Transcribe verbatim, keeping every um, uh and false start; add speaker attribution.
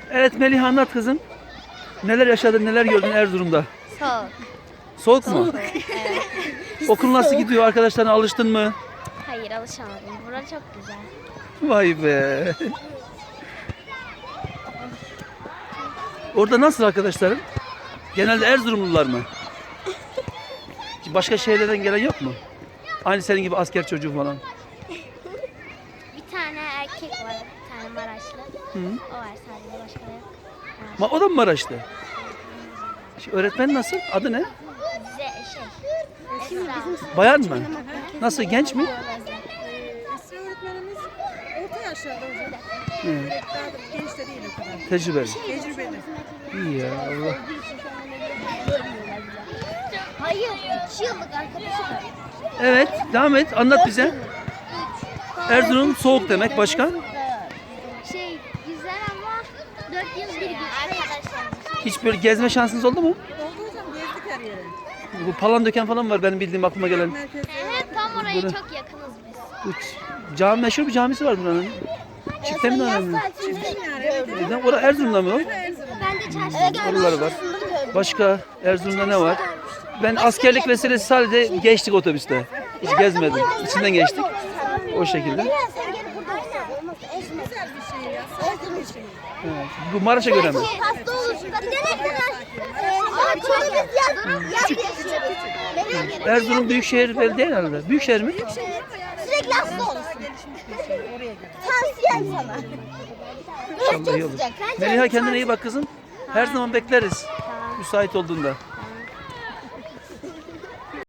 Speaker 1: Evet Melih, anlat kızım. Neler yaşadın, neler gördün Erzurum'da?
Speaker 2: Soğuk.
Speaker 1: Soğuk mu?
Speaker 2: Evet.
Speaker 1: Okul nasıl gidiyor? Arkadaşlarına alıştın mı?
Speaker 2: Hayır, alışamadım. Burası çok güzel.
Speaker 1: Vay be. Orada nasıl arkadaşların? Genelde Erzurumlular mı? Başka şehirlerden gelen yok mu? Aynı senin gibi asker çocuğu falan.
Speaker 2: Bir tane erkek var, bir tane Maraşlı.
Speaker 1: Hı.
Speaker 2: O var sadece, başka da yok.
Speaker 1: Ma o da mı Maraşlı? Şu öğretmen nasıl? Adı ne?
Speaker 2: Bize şey, Esra.
Speaker 1: Bayan mı? Nasıl, genç mi?
Speaker 3: Esra öğretmenimiz orta yaşlarda hocam.
Speaker 1: Hı.
Speaker 3: Daha da genç de değil o kadar.
Speaker 1: Tecrübeli.
Speaker 3: Tecrübeli.
Speaker 1: İyi ya, Allah.
Speaker 2: Hayır, üç yıllık arkadaşım var.
Speaker 1: Evet, devam et. Anlat bize. Erzurum soğuk demek. Başka?
Speaker 2: Şey, güzel ama dört yıl bir gün arkadaşlarımız.
Speaker 1: Hiç böyle gezme şansınız oldu mu?
Speaker 3: Oldu hocam, gezdik her yere.
Speaker 1: Bu Palandöken falan var benim bildiğim, aklıma gelen.
Speaker 3: Merkezde
Speaker 2: Evet, tam oraya
Speaker 1: Böyle-
Speaker 2: çok yakınız biz.
Speaker 1: Bu cami, meşhur bir camisi var buranın. Çifte mi önemli?
Speaker 3: çizdim yani. Evet, evet.
Speaker 1: Orada Erzurum'da mı o?
Speaker 3: Erzurum'da.
Speaker 2: Ben de çarşıda
Speaker 1: Oraları var. Başka Erzurum'da ne var? Ben askerlik vesilesi sadece geçtik otobüste. Hiç gezmedim. İçinden geçtik. O şekilde.
Speaker 2: Sen gel burada olmaz.
Speaker 3: Güzel bir şehir ya. Sakin bir şehir.
Speaker 1: Evet. Bu Maraş'a göre mi?
Speaker 2: Hasta olursun. Gidene kadar. Ama çok biz yazın.
Speaker 1: Erzurum Büyükşehir Belediye herhalde. Büyükşehir mi?
Speaker 2: Sürekli hasta olursun.
Speaker 3: Gelişmiş bir şehir. Oraya gel.
Speaker 2: Tavsiyem sana.
Speaker 1: İnşallah iyi olur. Meliha, kendine iyi bak kızım. Her zaman bekleriz. Müsait olduğunda.